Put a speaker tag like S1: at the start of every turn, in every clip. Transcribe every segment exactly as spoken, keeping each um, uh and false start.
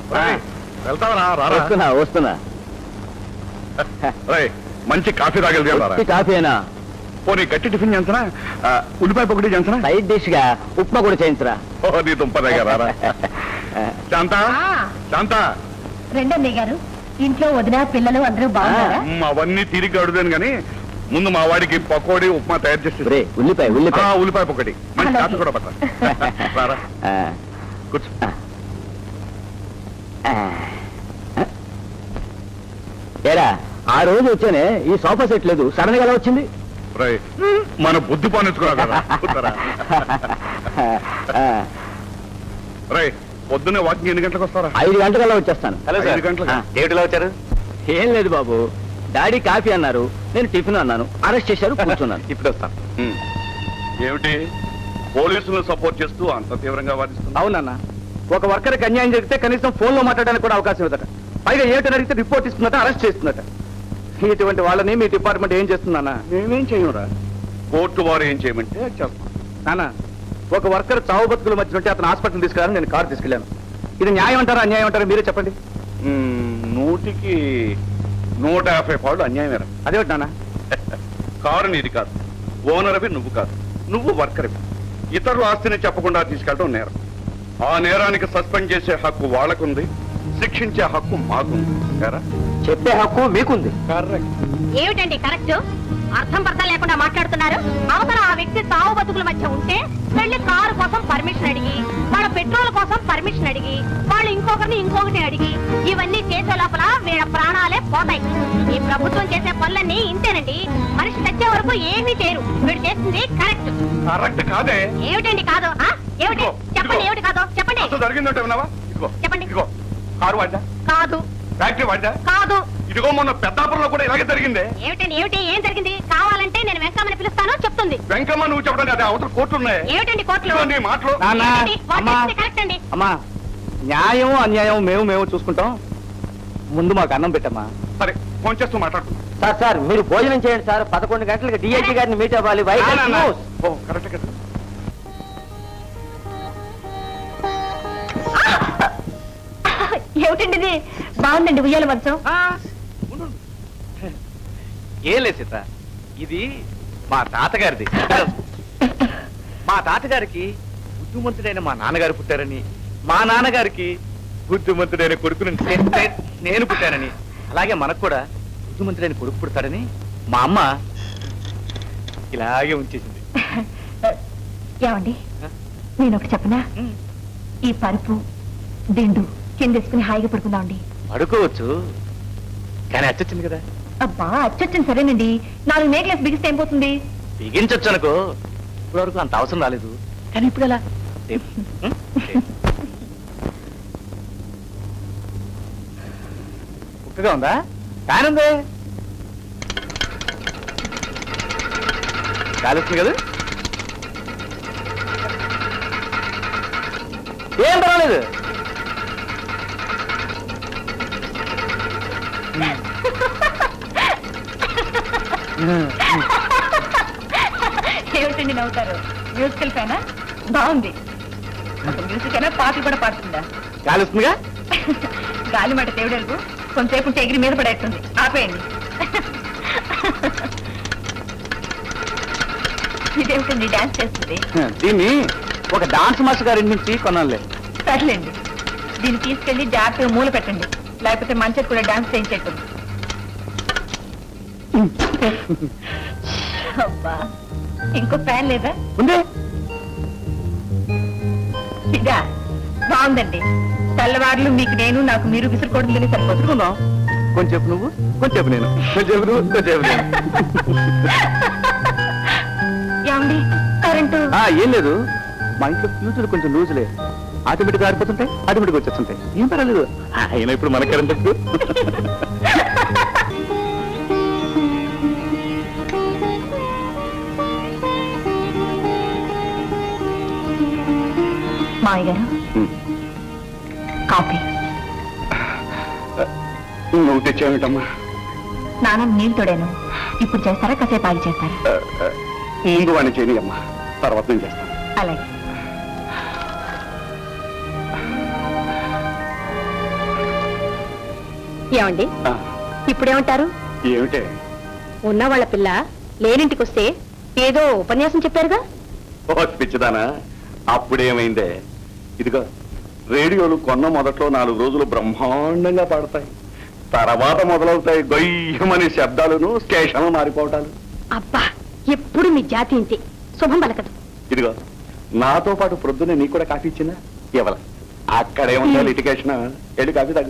S1: వెళ్తావరా?
S2: వస్తున్నా వస్తున్నా.
S1: మంచి కాఫీ తాగలిగా?
S2: కాఫీనా?
S1: పోనీ గట్టి టిఫిన్ చేయించరా? ఉల్లిపాయ పొగటి చేయించరా?
S2: సైడ్ డిష్ గా ఉప్మా కూడా చేయించరా?
S1: ఓ నీ దుంపదగా రారా. శాంత శాంత
S3: రెండన్నయ్య గారు, ఇంట్లో వదిన పిల్లలు అందరూ బాగున్నారా?
S1: అవన్నీ తిరిగి అడుగుదాను గాని ముందు మా వాడికి పకోడీ ఉప్మా తయారు చేసి.
S2: ఉల్లిపాయ ఉల్లిపాయ
S1: ఉల్లిపాయ పొగటి మంచి కాఫీ కూడా పట్టారా. కూర్చో.
S2: ఏరా ఆ రోజు వచ్చానే ఈ సోఫా సెట్ లేదు, సడన్ గా ఎలా వచ్చింది?
S1: మన బుద్ధి పానించుకున్నా కదా. రై పొద్దున్నే వాకింగ్ ఎన్ని గంటలకు వస్తారా?
S2: ఐదు గంటలకల్లా వచ్చేస్తాను.
S1: ఐదు గంటలకు
S2: ఏమిటిలా వచ్చారు? ఏం లేదు బాబు, డాడీ కాఫీ అన్నారు, నేను టిఫిన్ అన్నాను, అరెస్ట్ చేశారు, కూర్చున్నాను.
S1: ఇప్పుడు వస్తాను. ఏమిటి పోలీసులను సపోర్ట్ చేస్తూ అంత తీవ్రంగా వాదిస్తున్నా?
S2: అవునన్నా, ఒక వర్కర్కి అన్యాయం జరిగితే కనీసం ఫోన్ లో మాట్లాడడానికి కూడా అవకాశం ఇవ్వదట. పైగా ఏమిటని అడిగితే రిపోర్ట్ ఇస్తుందట, అరెస్ట్ చేస్తుందట. ఇటువంటి వాళ్ళని మీ డిపార్ట్మెంట్ ఏం చేస్తుందన్నా?
S1: మేమేం చేయరా, కోర్టు వారు ఏం చేయమంటే చేస్తాం.
S2: నానా, ఒక వర్కర్ చావు బతుకుల మధ్య ఉంటే అతను హాస్పిటల్ తీసుకెళ్ళాను, నేను కారు తీసుకెళ్ళాను. ఇది న్యాయం అంటారా అన్యాయం అంటారా మీరే చెప్పండి.
S1: నూటికి నూట యాభై పాళ్ళు అన్యాయమేరా.
S2: అదేమిటి నాన్న?
S1: కారు నీది కాదు, ఓనర్వి నువ్వు కాదు, నువ్వు వర్కర్వి. ఇతరుల ఆస్తిని చెప్పకుండా తీసుకెళ్ళడం నేరం. ఆ నేరానికి సస్పెండ్ చేసే హక్కు వాళ్ళకుంది, శిక్షించే హక్కు మాకుంది.
S2: చెప్పే హక్కు మీకుంది.
S3: ఏమిటండి కరెక్ట్? అర్థం పర్థం లేకుండా మాట్లాడుతున్నారు. అవతల ఆ వ్యక్తి తావు బతుకుల మధ్య ఉంటే వెళ్ళి కారు కోసం పర్మిషన్ అడిగి, వాళ్ళ పెట్రోల్ కోసం పర్మిషన్ అడిగి, వాళ్ళు ఇంకొకరిని ఇంకొకటి అడిగి, ఇవన్నీ చేసే లోపల వీళ్ళ ప్రాణాలే పోతాయి. ఈ ప్రభుత్వం చేసే పనులన్నీ ఇంతేనండి. మనిషి చచ్చే వరకు ఏమీ చేయరు. వీడు చేసింది కరెక్ట్.
S1: కరెక్ట్ కాదే.
S3: ఏమిటండి కాదు? ఏమిటి చెప్పండి, ఏమిటి కాదో చెప్పండి.
S1: జరిగిందంటే విన్నావా?
S3: చెప్పండి.
S1: కారు వాడ్డా?
S3: కాదు.
S1: ఫ్యాక్టరీ వాడ్డా?
S3: కాదు.
S1: ఇదిగో మొన్న పెద్దాపురంలో కూడా ఇలాగే జరిగింది.
S3: ఏమిటండి ఏమిటి? ఏం జరిగింది? కావాలంటే నేను వెంకమ్మని పిలుస్తాను, చెప్తుంది.
S1: వెంకమ్మ నువ్వు చెప్పడం కదా, అవతల కోర్టులు ఉన్నాయి.
S3: ఏమిటండి కోర్టులు?
S1: నీ మాటలు.
S3: కరెక్ట్ అండి.
S2: అమ్మా, న్యాయం అన్యాయం మేము మేము చూసుకుంటాం. ముందు మాకు అన్నం పెట్టమ్మా.
S1: సరే, ఫోన్ చేస్తూ మాట్లాడుతున్నాం.
S2: సార్ సార్ మీరు భోజనం చేయండి సార్. పదకొండు గంటలకు డిఐజీ గారిని మీట్ అవ్వాలి.
S1: ఓ కరెక్ట్ కదా.
S3: ఏమిటండి ఇది? బాగుందండి ఉయ్యాల మంచం.
S2: ఏం లేదు సీత, ఇది మా తాతగారిది. మా తాతగారికి బుద్ధిమంతుడైన మా నాన్నగారు పుట్టారని, మా నాన్నగారికి బుద్ధిమంతుడైన కొడుకుని నేను పుట్టానని, అలాగే మనకు కూడా బుద్ధిమంతుడైన కొడుకు పుడతాడని మా అమ్మ ఇలాగే ఉంచేసింది.
S3: ఏమండి, నేను ఒకటి చెప్పనా? ఈ పరుపు దిండు కిందేసుకుని హాయిగా పడుకుందామండి.
S2: పడుకోవచ్చు, కానీ అచ్చొచ్చింది కదా.
S3: అబ్బా అచ్చొచ్చింది సరేనండి. నాలుగు నేక్లెస్ బిగిస్తే ఏం పోతుంది?
S2: బిగించొచ్చు అనుకో. ఇప్పటి వరకు అంత అవసరం రాలేదు, కానీ ఇప్పుడు ఎలా? ఉక్కగా ఉందా? ఫ్యాన్ ఉంది, గాలి వస్తుంది కదా. ఏం పర్వాలేదు.
S3: ఏమిటండి నవ్వుతారు? మ్యూజికల్ ఫ్యానా? బాగుంది. మ్యూజిక్ అయినా పాటలు కూడా పాడుతుందా?
S2: గాలి వస్తుందిగా.
S3: గాలి మాట దేవుడెలుగు కొంతసేపు ఉంటే ఎగిరి మీద పడేస్తుంది. ఆపేయండి. ఇదేమిటండి డాన్స్ చేస్తుంది?
S2: దీన్ని ఒక డాన్స్ మాస్టర్ గారి నుంచి కొనాలి.
S3: సర్లేండి, దీన్ని తీసుకెళ్లి జాగ్రత్తగా మూల పెట్టండి, లేకపోతే మంచిది కూడా డాన్స్ చేయించేట్టుంది. అబ్బా, ఇంకో ఫ్యాన్ లేదా?
S2: ఉంది.
S3: ఇదా బాగుందండి. తెల్లవారులు మీకు నేను, నాకు మీరు విసురుకోవడం తిని సరిపోతుందా?
S2: కొంచెం నువ్వు, కొంచెం నేను, కొంచెం నువ్వు, కొంచెం నేను.
S3: ఏమండి కరెంటు?
S2: ఏం లేదు, మా ఇంట్లో ఫ్యూచర్ కొంచెం లూజులే, ఆటోమేటిక్ ఆడిపోతుంటాయి, ఆటోమేటిక్ వచ్చేస్తుంటాయి. ఏం పర్వాలేదు. అయినా ఇప్పుడు మన కరెంట్
S3: మావయ్య గారు కాఫీ.
S1: నువ్వు తెచ్చావేటమ్మా?
S3: స్నానం నీళ్ళు తోడాను, ఇప్పుడు చేస్తారా కాసేపు ఆగి చేస్తారా?
S1: ముందు వాడిని చేయని అమ్మా, తర్వాత నేను చేస్తాను.
S3: అలాగే. ఏమండి
S1: ఆ,
S3: ఇప్పుడేమంటారు?
S1: ఏమిటే
S3: ఉన్న వాళ్ళ పిల్ల లేనింటికి వస్తే ఏదో ఉపన్యాసం చెప్పారుగా.
S1: ఓ పిచ్చిదానా, అప్పుడేమైందే? ఇదిగో రేడియోలు కొన్న మొదట్లో నాలుగు రోజులు బ్రహ్మాండంగా పాడతాయి, తర్వాత మొదలవుతాయి గొయ్యమని శబ్దాలను, స్టేషన్లు మారిపోవటాలు.
S3: అబ్బా, ఎప్పుడు మీ జాతి ఇంతే, శుభం పలకదు.
S1: ఇదిగో నాతో పాటు ప్రొద్దునే నీకు కూడా కాఫీ ఇచ్చిందా? ఇవ్వాల అక్కడేముందా లిటికేషన్, వెళ్ళి కాఫీ తాగు.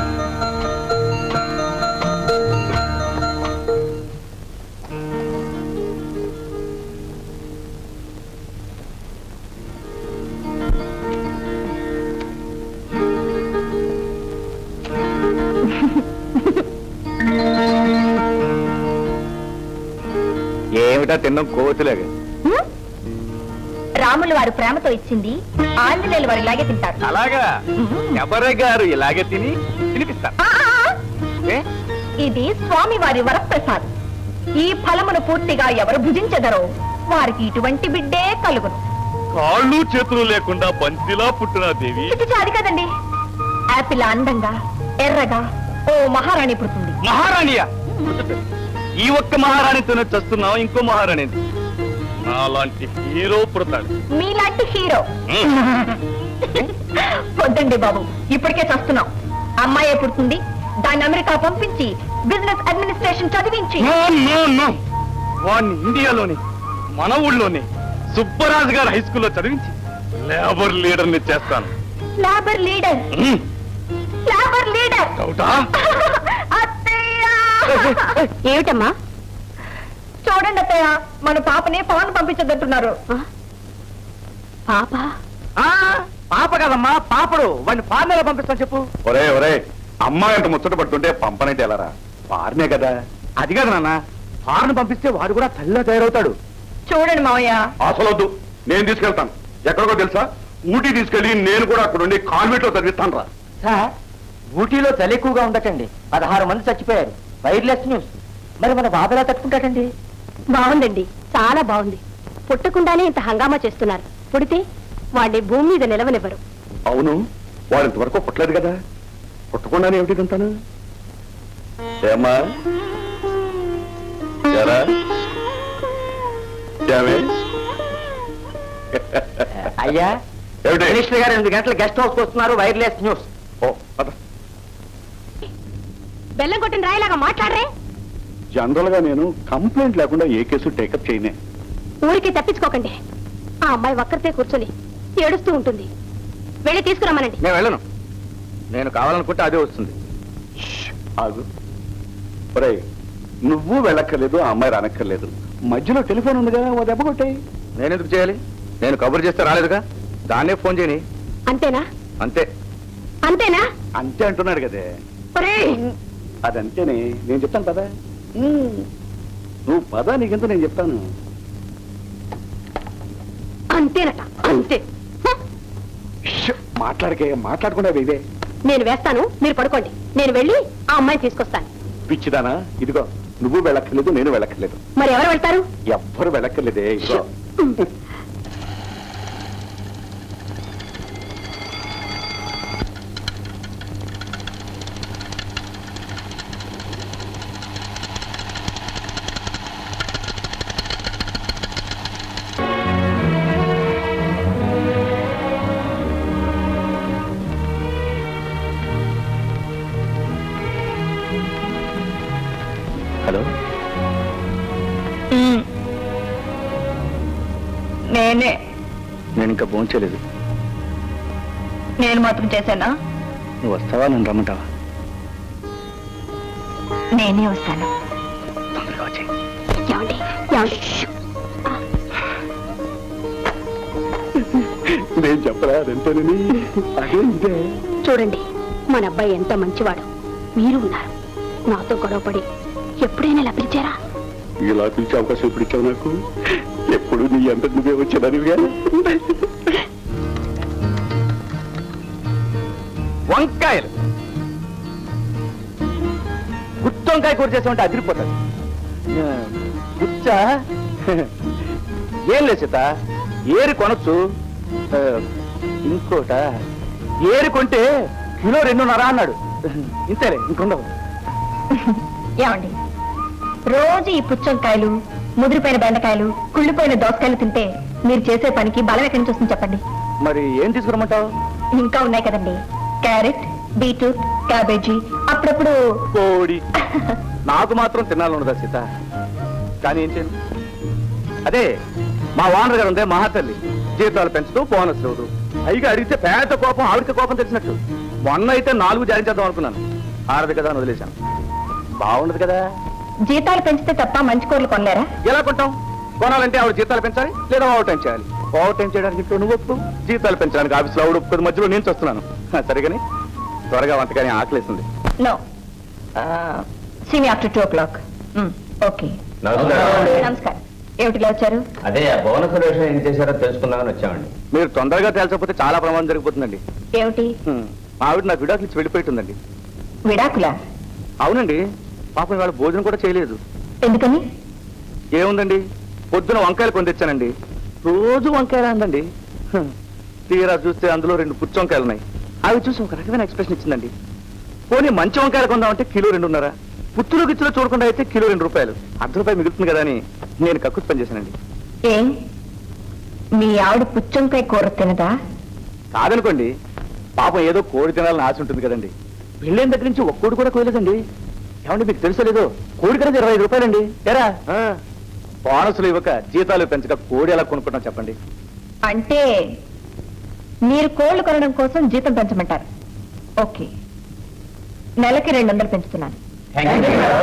S2: ఏమిటా తిన్నాం కోతులేగా?
S3: హ్మ్? రాములు వారు ప్రేమతో ఇచ్చింది ఆంజనేయులు వారు ఇలాగే తింటారు.
S2: అలాగా? ఎవరే గారు ఇలాగే తిని తినిపిస్తారు.
S3: ఆ, ఆ, ఆ.
S2: ఏ?
S3: ఇది స్వామి వారి వరప్రసాద్. ఈ ఫలమును పూర్తిగా ఎవరు భుజించెదరో వారికి ఇటువంటి బిడ్డే కలుగును.
S2: కాళ్ళు చేతులు లేకుండా బంతిలా పుట్టిన దేవి
S3: చిచి, అది కదండి. యాపిల్ అందంగా ఎర్రగా ఓ మహారాణి పుడుతుంది.
S2: మహారాణియా? ఈ ఒక్క మహారాణితోనే చస్తున్నావు, ఇంకో మహారాణి అలాంటి హీరో పుడతాడు.
S3: మీలాంటి హీరో వద్దండి బాబు, ఇప్పటికే చస్తున్నాం. అమ్మాయే పుడుతుంది, దాన్ని అమెరికా పంపించి బిజినెస్ అడ్మినిస్ట్రేషన్ చదివించి
S2: నో, నో, నో. వాడిని ఇండియాలోని మన ఊళ్ళోనే సుబ్బరాజు గారు హై స్కూల్లో చదివించి లేబర్ లీడర్ ని చేస్తాను.
S3: Labour leader
S2: um,
S3: labour leader
S2: డౌటా?
S3: ఏమిటమ్మా? చూడండి అత్తయ్య, మన పాపని పవన్ పంపించదంటున్నారు. పాప?
S2: ఆ, పాప కదమ్మా, పాపడు. వాడిని ఫార్నర్ పంపిస్తాను చెప్పు.
S1: ఒరే ఒరే, అమ్మాయి అంత ముచ్చట పడుతుంటే పంపనైతే ఎలారా? పారినే కదా.
S2: అది కాదు నాన్న, ఫారెన్ పంపిస్తే వాడు కూడా తల్లిలా తయారవుతాడు.
S3: చూడండి మావయ్య.
S1: అసలొద్దు, నేను తీసుకెళ్తాను. ఎక్కడికో తెలుసా? ఊటీ తీసుకెళ్లి నేను కూడా అక్కడ ఉండి కాన్వెంట్ లో చదివిస్తాను రా.
S4: సార్, ఊటీలో చలి ఎక్కువగా ఉండటండి, పదహారు మంది చచ్చిపోయారు. Wireless news. మరి మన బాబు ఎలా తట్టుకుంటాడండి?
S3: బాగుందండి, చాలా బాగుంది. పుట్టకుండానే ఇంత హంగామా చేస్తున్నారు. పుడితే వాడిని భూమి మీద నిలవనివ్వరు.
S1: అవును, వాడు ఇంతవరకు పుట్టలేదు కదా, పుట్టకుండానే ఏమిటి తింటాను? ఏమ్మా ఎరా? ఏమే?
S4: అయ్యా,
S1: ఏమిటి?
S4: మినిస్టర్ గారు ఎనిమిది గంటల గెస్ట్ హౌస్ వస్తున్నారు. Wireless news.
S1: ఓ, పద.
S3: బెల్లం కొట్టిన రాయిలాగా మాట్లాడరే.
S1: జనరల్ గా నేను కంప్లైంట్ లేకుండా ఏ కేసు టేకప్ చేయనే.
S3: ఊరికి తప్పించుకోకండి. ఆ అమ్మాయి ఒక్కరితే కూర్చొని ఏడుస్తూ ఉంటుంది. వెళ్ళి తీసుకురమ్మనండి.
S2: నేను వెళ్ళను. నేను కావాలనుకుంటే అదే వస్తుంది.
S1: ష్, ఆగు. ఒరేయ్, నువ్వు వెళ్ళక్కర్లేదు, ఆ అమ్మాయి రానక్కర్లేదు. మధ్యలో టెలిఫోన్ ఉందిగా, ఓ దెబ్బ కొట్టాయి.
S2: నేను ఎందుకు చేయాలి? నేను కబురు చేస్తే రాలేదుగా, దాన్నే ఫోన్ చేయని.
S3: అంతేనా?
S2: అంతే.
S3: అంతేనా?
S1: అంతే అంటున్నాడు కదే.
S3: ఒరేయ్,
S1: అదంతేనే, నేను చెప్తాను పదా. నువ్వు పదా, నీకెంత నేను చెప్తాను.
S3: అంతేనట, అంతే. హ!
S1: ష్, మాట్లాడకే, మాట్లాడకుండా ఇదే.
S3: నేను వేస్తాను, మీరు పడుకోండి. నేను వెళ్ళి ఆ అమ్మాయిని తీసుకొస్తాను.
S1: పిచ్చిదానా, ఇదిగో నువ్వు వెళ్ళక్కర్లేదు, నేను వెళ్ళక్కర్లేదు.
S3: మరి ఎవరు వెళ్తారు?
S1: ఎవ్వరు వెళ్ళక్కర్లేదే. ఇదిగో
S2: హలో,
S3: నేనే.
S2: నేను ఇంకా ఫోన్ చేయలేదు.
S3: నేను మాత్రం చేశానా?
S2: నువ్వు వస్తావా, నన్ను రమ్మంటావా?
S3: నేనే వస్తాను.
S2: తొందరగా వచ్చి.
S3: ఏమండి? ఏమండి?
S1: నేను చెప్పరా అదంతేనని. అదే ఇదే.
S3: చూడండి, మన అబ్బాయి ఎంత మంచివాడు. మీరు ఉన్నారు. నాతో గొడవపడి ఎప్పుడైనా ఇలా పిలిచారా?
S1: ఇలా పిలిచే అవకాశం ఎప్పుడు ఇచ్చావు నాకు? ఎప్పుడు నీ అంత నువ్వే వచ్చేదానివిగా.
S2: వంకాయలు గుత్తి వంకాయ కూర చేసామంటే అదిరిపోతుంది. గుచ్చా ఏం లేదు సీత, ఏరి కొనొచ్చు. ఆ, ఇంకోట ఏరి కొంటే కిలో రెండున్నర అన్నాడు. ఇంతేలే ఇంకొండవు.
S3: ఏమండి రోజు ఈ పుచ్చంకాయలు ముదిరిపోయిన బెండకాయలు కుళ్ళిపోయిన దోసకాయలు తింటే మీరు చేసే పనికి బలం ఎక్కడి నుంచి వస్తుంది చెప్పండి.
S2: మరి ఏం తీసుకురమ్మంటావు?
S3: ఇంకా ఉన్నాయి కదండి, క్యారెట్, బీట్రూట్, క్యాబేజీ, అప్పుడప్పుడు
S2: కోడి. నాకు మాత్రం తినాలన్నదా సీత, కానీ ఏం చేయండి. అదే మా ఓనర్ గారు ఉందే మహాతల్లి, జీతాలు పెంచుతూ బోనస్ ఇవ్వదు. పైగా అడిగితే పేద కోపం ఆవిడకి కోపం తెలిసినట్టు. మొన్న అయితే నాలుగు జారీ చేద్దాం అనుకున్నాను, ఆడదు కదా అని వదిలేశాను. బాగుండదు కదా.
S3: జీతాలు పెంచితే తప్ప మంచి కూరలు కొనలేరా?
S2: ఎలా కొంటాం? కొనాలంటే ఆవిడ జీతాలు పెంచాలి, లేదా ఓవర్ టైం చేయాలి. ఓవర్ టైం చేయడానికి ఇంట్లో నువ్వు ఒప్పు, జీతాలు పెంచడానికి ఆఫీస్లో ఆవిడ ఒప్పుకోదు, మధ్యలో నేను వస్తున్నాను. సరిగాని త్వరగా వంటకాని ఆకలేస్తుంది.
S3: No, see me after two o'clock. Okay, నమస్కారం. ఏమిటిలా వచ్చారు?
S4: అదే బోనస్ విషయం ఏం చేశారో తెలుసుకుందామని వచ్చామండి.
S2: మీరు తొందరగా తేల్చకపోతే చాలా ప్రమాదం జరిగిపోతుందండి.
S3: ఏమిటి?
S2: హ్మ్. మా ఆవిడ నాకు విడాకులు ఇచ్చి వెళ్ళిపోతుందండి.
S3: విడాకులా?
S2: అవునండి, పాపం వాళ్ళ భోజనం కూడా చేయలేదు.
S3: ఎందుకని?
S2: ఏముందండి, పొద్దున వంకాయలు కొని తెచ్చానండి, రోజు వంకాయలు అందండి. హ్మ్. తీరా చూస్తే అందులో రెండు పుచ్చి వంకాయలు ఉన్నాయి. అవి చూసి ఒక రకమైన ఎక్స్ప్రెషన్ ఇచ్చిందండి. పోనీ మంచి వంకాయలు కొందామంటే కిలో రెండున్నర, పుచ్చులు గిచ్చులో చూడకుండా అయితే కిలో రెండు రూపాయలు, అర్ధ రూపాయలు మిగులుతుంది కదా అని నేను కక్కుర్తి పని చేశానండి.
S3: ఏం మీ ఆవిడ పుచ్చంకాయ కూర తినదా?
S2: కాదనుకోండి, పాపం ఏదో కోడి తినాలని ఆశ ఉంటుంది కదండి. పెళ్ళైన దగ్గర నుంచి ఒక్క కోడి కూడా కోయలేదండి. ఏమండి మీకు తెలుసో లేదో, కోడి కన్నా ఇరవై ఐదు రూపాయలండి. ఎరా బోనసులు ఇవ్వక జీతాలు పెంచక కోడి ఎలా కొనుక్కుంటాం చెప్పండి.
S3: అంటే మీరు కోళ్లు కొనడం కోసం జీతం పెంచమంటారు. ఓకే, నెలకి రెండు వందలు పెంచుతున్నాను.